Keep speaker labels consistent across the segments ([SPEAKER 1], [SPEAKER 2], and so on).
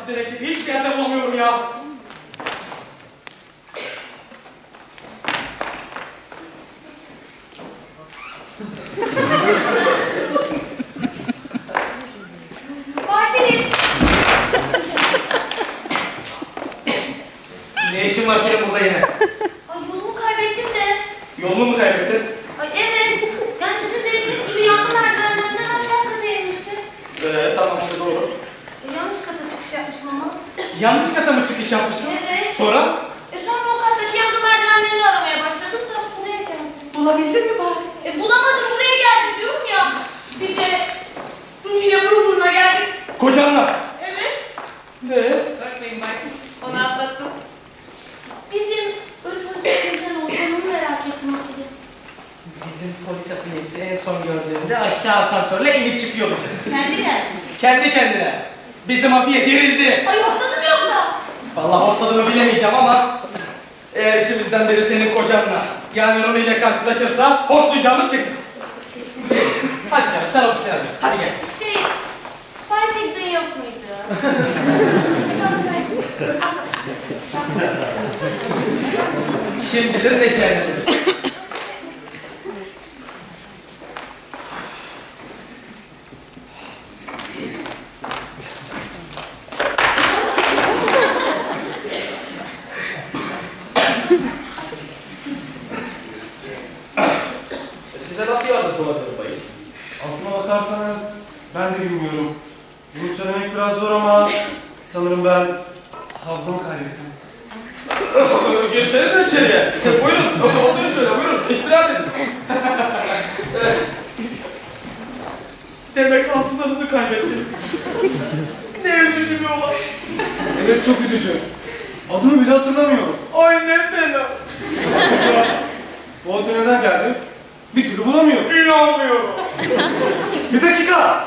[SPEAKER 1] Taksi dedektifi hiçbir yerde bulamıyorum ya.
[SPEAKER 2] Bay Filiz.
[SPEAKER 1] Ne işin var senin burada yine?
[SPEAKER 2] Ay yolumu kaybettim de.
[SPEAKER 1] Yolunu mu kaybettin?
[SPEAKER 2] Ay evet. Ben sizin dediğiniz gibi yanlı merdivenlerden aşağı kata inmiştim.
[SPEAKER 1] Tamam işte doğru.
[SPEAKER 2] Yanlış kata çıkış yapmışım ama.
[SPEAKER 1] Yanlış kata mı çıkış yapmışsın?
[SPEAKER 2] Evet.
[SPEAKER 1] Sonra?
[SPEAKER 2] Sonra o kattaki yanlı merdivenlerini aramaya başladım da buraya geldim.
[SPEAKER 1] Bulabildin mi bari?
[SPEAKER 2] Bulamadım, buraya geldim diyorum ya. Bir de yine buruna geldik.
[SPEAKER 1] Kocanla.
[SPEAKER 2] Evet.
[SPEAKER 1] Ne?
[SPEAKER 2] Bakmayın Bay Filiz. Onu atlattım. Bizim ölümümüzün neden olduğunu merak ettim aslında.
[SPEAKER 1] Bizim polis hapinesi en son gördüğümde aşağı asansörle inip çıkıyordu canım.
[SPEAKER 2] Kendi kendine.
[SPEAKER 1] Kendi kendine. Bizim hapiye dirildi.
[SPEAKER 2] Ay hortladım yoksa?
[SPEAKER 1] Vallahi hortladığımı bilemeyeceğim ama eğer içimizden biri senin kocanla yani Ronnie ile karşılaşırsa hortlayacağımız kesin. Hadi canım sen ofisine hadi. Hadi gel.
[SPEAKER 2] Bay Pigden yok muydu?
[SPEAKER 1] Kim bilir ne cehennemdir. Size nasıl yardımcı olabilirim bayım?
[SPEAKER 3] Aslına bakarsanız ben de bilmiyorum. Bunu söylemek biraz zor ama sanırım ben hafızamı kaybettim.
[SPEAKER 1] Girsenize içeriye. Buyurun, oturun şöyle, buyurun. İstirahat edin. Demek hafızanızı kaybettiniz. Ne üzücü bir olay.
[SPEAKER 3] Evet çok üzücü. Adımı bile hatırlamıyorum.
[SPEAKER 1] Ay ne fena.
[SPEAKER 3] Koca bu otel neden geldi? Bir türlü bulamıyorum.
[SPEAKER 1] İnanmıyorum.
[SPEAKER 3] Bir dakika!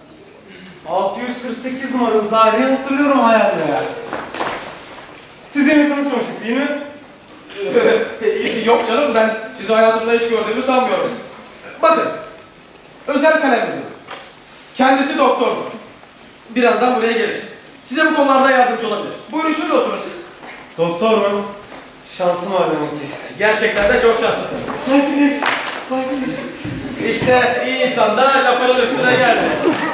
[SPEAKER 3] 648 numaralı daireyi hatırlıyorum hayatta ya. Sizinle tanışmamıştık değil mi?
[SPEAKER 1] Yok canım, ben sizi hayatımda hiç gördüğümü sanmıyorum. Bakın, özel kalem müdürü. Kendisi doktordur. Birazdan buraya gelir. Size bu konularda yardımcı olabilir. Buyurun şöyle oturun siz.
[SPEAKER 3] Doktor mu? Şansım var demek ki.
[SPEAKER 1] Gerçekten de çok şanslısınız.
[SPEAKER 3] Baktınız. Baktınız.
[SPEAKER 1] İşte iyi insan da lafının üstüne geldi.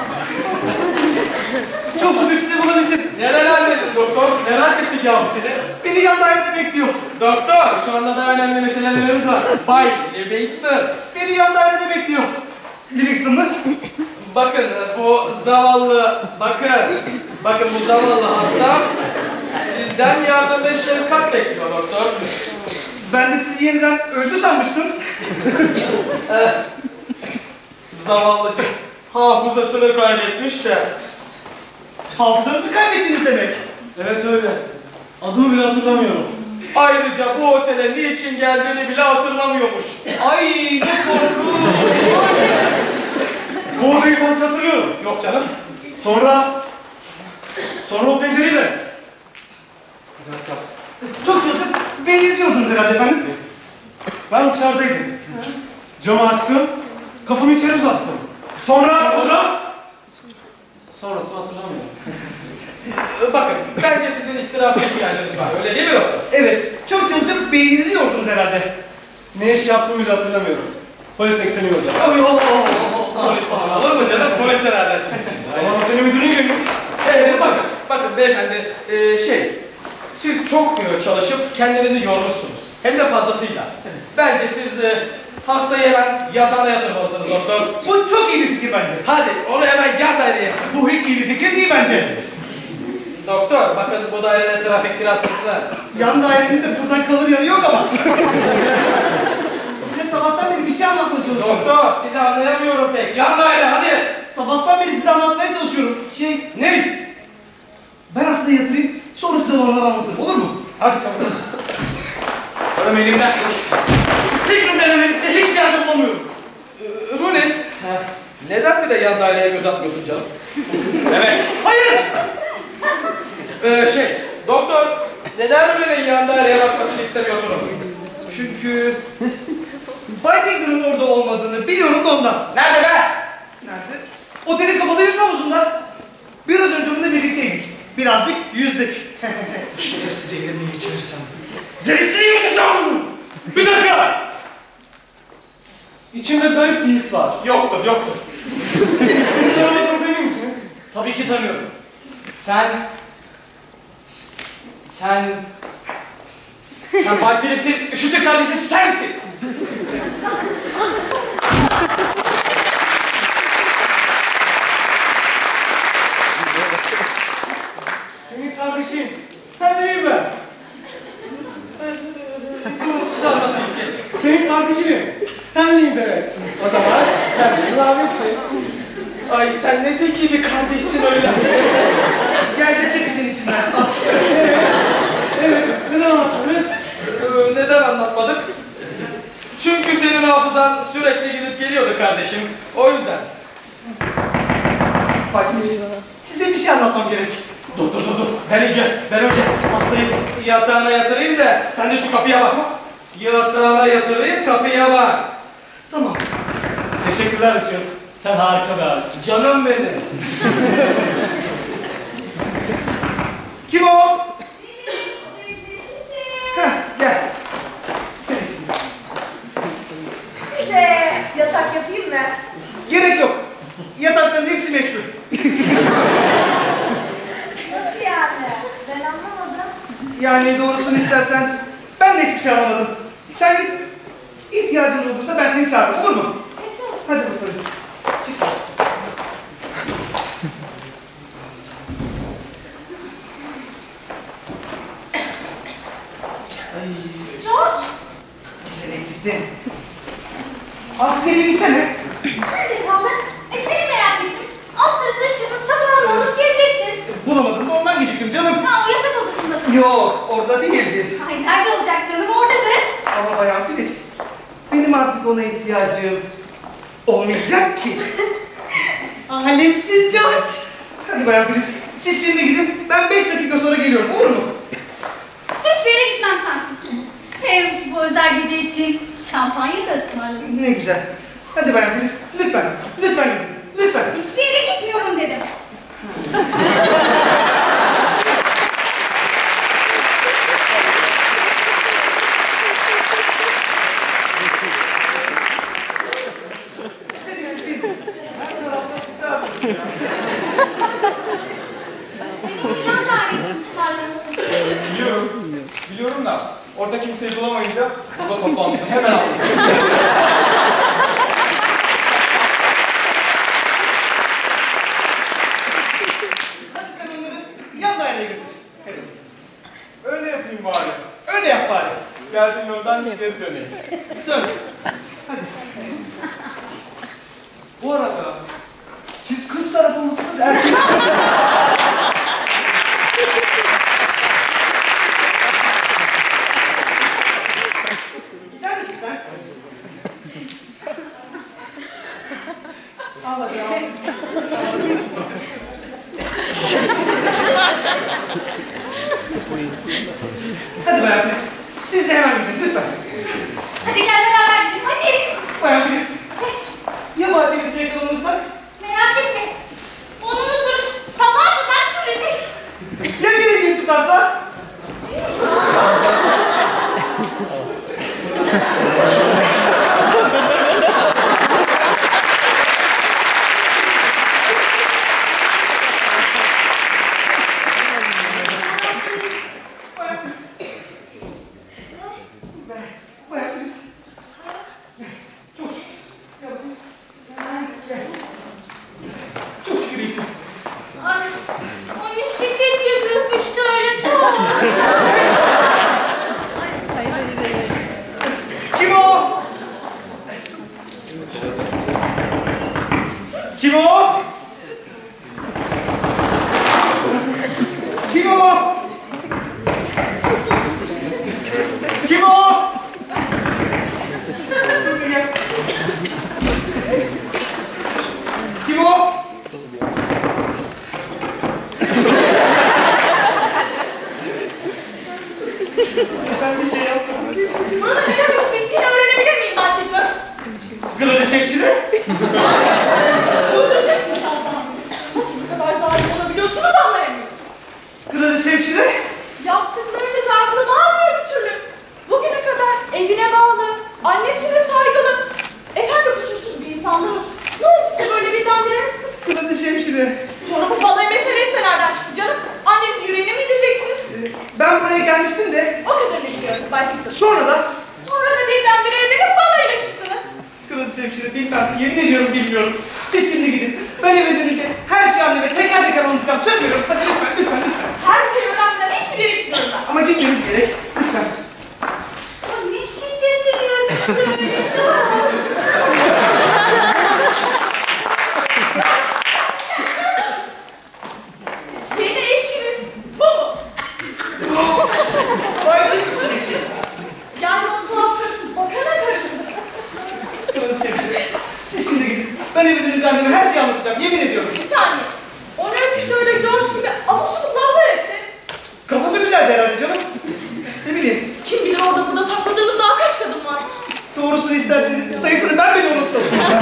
[SPEAKER 3] Çok şükür sizi bulabildim.
[SPEAKER 1] Neler dedin doktor? Merak ettik yavrum seni.
[SPEAKER 3] Beni yan dairede bekliyor.
[SPEAKER 1] Doktor, şu anda da önemli meselelerimiz var. Bay Livingston.
[SPEAKER 3] Beni yan dairede bekliyor. Livingston mı?
[SPEAKER 1] Bakın bu zavallı, bakın bu zavallı hasta sizden yardım ve şefkat bekliyor doktor.
[SPEAKER 3] Ben de sizi yeniden öldü sanmıştım.
[SPEAKER 1] Zavallıcık hafızasını kaybetmiş de.
[SPEAKER 3] Hafızanızı kaybettiniz demek. Evet öyle. Adımı bile hatırlamıyorum.
[SPEAKER 1] Ayrıca bu otele niçin geldiğini bile hatırlamıyormuş.
[SPEAKER 3] Ay ne korku. Bu odayı sanki hatırlıyorum.
[SPEAKER 1] Yok canım.
[SPEAKER 3] Sonra o pencereyle. Bir dakika. Çok çalışıp beni izliyordunuz herhalde efendim. Ben dışarıdaydım. Camı açtım. Kafamı içeri uzattım. Sonrasını hatırlamıyorum.
[SPEAKER 1] Bakın, bence sizin istirahate ihtiyacınız var. Öyle değil mi doktor?
[SPEAKER 3] Evet. Çok çalışıp beyninizi yordunuz herhalde. Ne iş yaptığımı bile hatırlamıyorum. Polis ekseni hocam.
[SPEAKER 1] Polis falan olur mu canım? Polis nereden çıktı?
[SPEAKER 3] Zaman oteli müdürünü görüyorum.
[SPEAKER 1] Bakın beyefendi, siz çok çalışıp kendinizi yormuşsunuz. Hem de fazlasıyla. Bence siz hastayı hemen yatağına yatırmalısınız doktor.
[SPEAKER 3] Bu çok iyi bir fikir bence.
[SPEAKER 1] Hadi onu hemen yan daireye yatır.
[SPEAKER 3] Bu hiç iyi bir fikir değil bence.
[SPEAKER 1] Doktor, bakın bu dairede trafik biraz hızlı.
[SPEAKER 3] Yan dairenin de buradan kalır yanı yok ama. Size sabahtan beri bir şey anlatmaya çalışıyorum.
[SPEAKER 1] Doktor, sizi anlayamıyorum pek. Yan daire hadi.
[SPEAKER 3] Sabahtan beri size anlatmaya çalışıyorum.
[SPEAKER 1] Ne?
[SPEAKER 3] Ben hastayı yatırayım, sonra size oradan anlatırım, olur mu?
[SPEAKER 1] Hadi çabuk. Oğlum elimden kaçtı.
[SPEAKER 3] Fikrim denemenize hiçbir yardım bulamıyorum.
[SPEAKER 1] Rooney, neden bir de yan daireye göz atmıyorsun canım? Evet.
[SPEAKER 3] Hayır!
[SPEAKER 1] Doktor, neden Rooney'nin yan daireye bakmasını istemiyorsunuz?
[SPEAKER 3] Çünkü Bay Pigden'ın orada olmadığını biliyorum da ondan.
[SPEAKER 1] Nerede be?
[SPEAKER 3] Nerede? Otelin kapalı yüzme havuzunda. Biraz önce onunla birlikteydik.
[SPEAKER 4] Birazcık yüzdük.
[SPEAKER 1] Bu şerefsiz ellerini geçirirsem.
[SPEAKER 3] Derisini yutacağım! Bir dakika! İçimde garip bir his var.
[SPEAKER 1] Yoktur, yoktur.
[SPEAKER 3] Beni tanımadığınıza emin misiniz?
[SPEAKER 1] Tabii ki tanıyorum. Sen Bay Phillips'in üşütü kardeşi Stanley'sin.
[SPEAKER 3] Senin kardeşin. Stanley'im ben.
[SPEAKER 1] Bunu size anlatayım ki.
[SPEAKER 3] Senin kardeşinim. Stanley'im demek. O zaman sen benim abimsin.
[SPEAKER 1] Ay sen ne zeki bir kardeşsin öyle.
[SPEAKER 4] Gel de çek bizim içinden. Al.
[SPEAKER 3] Evet, neden anlattınız?
[SPEAKER 1] Neden anlatmadık? Çünkü senin hafızan sürekli gidip geliyordu kardeşim. O yüzden.
[SPEAKER 4] Bak size bir şey anlatmam gerek.
[SPEAKER 1] Dur. Ben önce hastayı yatağına yatırayım da sen de şu kapıya bak. Yatağına yatırayım, kapıya bak.
[SPEAKER 4] Tamam.
[SPEAKER 3] Teşekkürler Açıl. Sen harika bir abisin.
[SPEAKER 1] Canım benim.
[SPEAKER 4] Kim o? Heh, gel. Sen için.
[SPEAKER 5] Size yatak yapayım mı?
[SPEAKER 4] Gerek yok. Yatakların hepsi meşgul.
[SPEAKER 5] Nasıl yani? Ben anlamadım.
[SPEAKER 4] Yani doğrusunu istersen ben de hiçbir şey anlamadım. Sen git. İhtiyacın olursa ben seni çağırırım. Olur mu? Hadi bakalım. Çık.
[SPEAKER 5] George!
[SPEAKER 4] Bir sen eksiktin. Al size bir gitsene.
[SPEAKER 5] Nerede kaldın? Seni merak ettim. Alt tarafına çıkıp sabahına alıp gelecektin.
[SPEAKER 4] Bulamadım da ondan geciktim canım.
[SPEAKER 5] Ha o yatak odasında.
[SPEAKER 4] Yok orada değildir.
[SPEAKER 5] Ay nerede olacak canım oradadır.
[SPEAKER 4] Ama Bayan Phillips, benim artık ona ihtiyacım olmayacak ki.
[SPEAKER 5] Alemsin George.
[SPEAKER 4] Hadi Bayan Phillips, siz şimdi gidin, ben 5 dakika sonra geliyorum, olur mu?
[SPEAKER 5] Hiçbir yere gitmem sensiz. Hem bu özel gece için şampanya da ısmarladım.
[SPEAKER 4] Ne güzel. Hadi Bayan Phillips, lütfen, lütfen gidin, lütfen.
[SPEAKER 5] Hiçbir yere gitmiyorum dedim.
[SPEAKER 4] Sen eksiktin. Her tarafta sizi arıyorum.
[SPEAKER 5] Plan tarihi için ısmarlamıştım.
[SPEAKER 3] Biliyorum da orada kimseyi bulamayınca burada toplanmıştım. Hemen aldım.
[SPEAKER 4] Hadi sen onları yan daireye götür. Evet.
[SPEAKER 3] Öyle yapayım bari.
[SPEAKER 4] Öyle yap bari.
[SPEAKER 3] Geldiğim yoldan geri döneyim.
[SPEAKER 4] Dön.
[SPEAKER 3] Bu arada
[SPEAKER 4] Siz kız tarafı mısınız, erkek? Gider misin sen? Al hadi al. Hadi Bayan Phillips, siz de hemen gidin lütfen.
[SPEAKER 5] Hadi gel beraber gidelim hadi.
[SPEAKER 4] Bayan Phillips, ya Bayan Phillips'e yakalanırsak?
[SPEAKER 5] Merak etme. Onu unutup sabaha kadar sürecek.
[SPEAKER 4] Ya geleceği tutarsa? Bayan Phillips. Çok şükür. Ya bakayım. Gel. Çok şükür iyisin.
[SPEAKER 5] Ay, onu şiddetle öpmüştü öyle çok.
[SPEAKER 4] Kim o? Kim o? Kim o? Kim o? Gel. Kim o? Ben bir şey yapmadım.
[SPEAKER 5] Bunu da neden yok bittiğini öğrenebilir miyim ben bir de?
[SPEAKER 4] Gladys hemşire?
[SPEAKER 5] Öldürecek mi
[SPEAKER 4] hemşire.
[SPEAKER 2] Sonra bu balayı meselesi de nereden çıktı canım? Anneniz yüreğine mi indireceksiniz?
[SPEAKER 4] Ben buraya gelmiştim de
[SPEAKER 2] O kadarını biliyoruz Bay Peter.
[SPEAKER 4] sonra da
[SPEAKER 2] Sonra da birdenbire evlenip balayına çıktınız.
[SPEAKER 4] Kırmızı hemşire bilmem, yemin ediyorum bilmiyorum. Siz şimdi gidin. Ben eve dönünce her şeyi anneme teker teker anlatacağım. Söz veriyorum. Hadi lütfen, lütfen, lütfen.
[SPEAKER 2] Her şeyi öğrenmeden hiçbir yere gitmiyorum ben.
[SPEAKER 4] Ama gitmeniz gerek. Lütfen.
[SPEAKER 2] Ne şiddetli bir öpüşme. Yeni eşiniz bu mu?
[SPEAKER 4] Vay değil misin eşi?
[SPEAKER 2] Yani o tuhaf bakana karısı.
[SPEAKER 4] Kırmızı hemşire. Siz şimdi gidin. Ben eve dönünce anneme her şeyi anlatacağım. Yemin ediyorum.
[SPEAKER 2] Bir saniye. Onu öpüşte öyle George gibi amusuluk laflar etti.
[SPEAKER 4] Kafası güzeldi herhalde canım. Ne bileyim.
[SPEAKER 2] Kim bilir orada burada sakladığımız daha kaç kadın varmış.
[SPEAKER 4] Doğrusunu isterseniz sayısını ben bile unuttum.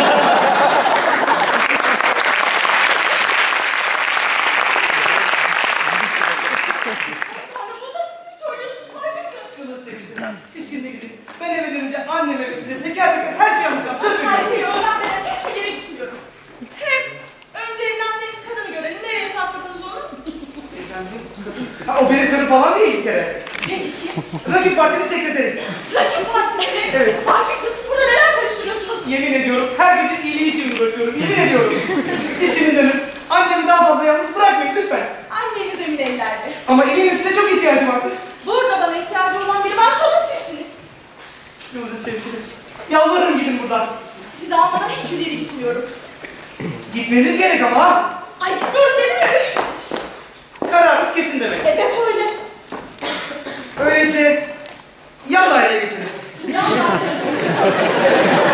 [SPEAKER 2] Tanrım bunları siz mi söylüyorsunuz Bay Peter?
[SPEAKER 4] Kırmızı hemşire. Siz şimdi gidin. Ben eve dönünce anneme ve size teker teker her şeyi anlatacağım. Söz
[SPEAKER 2] Her
[SPEAKER 4] veriyorum.
[SPEAKER 2] şeyi öğrenmeden hiçbir yere gitmiyorum. Hem önce evlendiğiniz kadını görelim. Nereye sakladınız onu?
[SPEAKER 4] Efendim? Ha, o benim karım falan değil bir kere.
[SPEAKER 2] Peki.
[SPEAKER 4] Rakip partinin sekreteri.
[SPEAKER 2] Rakip partileri.
[SPEAKER 4] Evet.
[SPEAKER 2] Bay Peter siz burada neler karıştırıyorsunuz?
[SPEAKER 4] Yemin ediyorum herkesin iyiliği için uğraşıyorum. Yemin ediyorum. Siz şimdi dönün. Annemi daha fazla yalnız bırakmayın lütfen.
[SPEAKER 2] Anneniz emin ellerde.
[SPEAKER 4] Ama eminim size çok ihtiyacım vardır.
[SPEAKER 2] Burada bana ihtiyacı olan biri varsa o da sizsiniz.
[SPEAKER 4] Yıldız hemşire. Yalvarırım gidin buradan.
[SPEAKER 2] Sizi almadan hiçbir yere gitmiyorum.
[SPEAKER 4] Gitmeniz gerek ama ha.
[SPEAKER 2] Ay gitmiyorum dedim ya. Üf.
[SPEAKER 4] Kararınız kesin demek.
[SPEAKER 2] Evet öyle.
[SPEAKER 4] Öyleyse yan daireye geçelim.
[SPEAKER 2] Ya.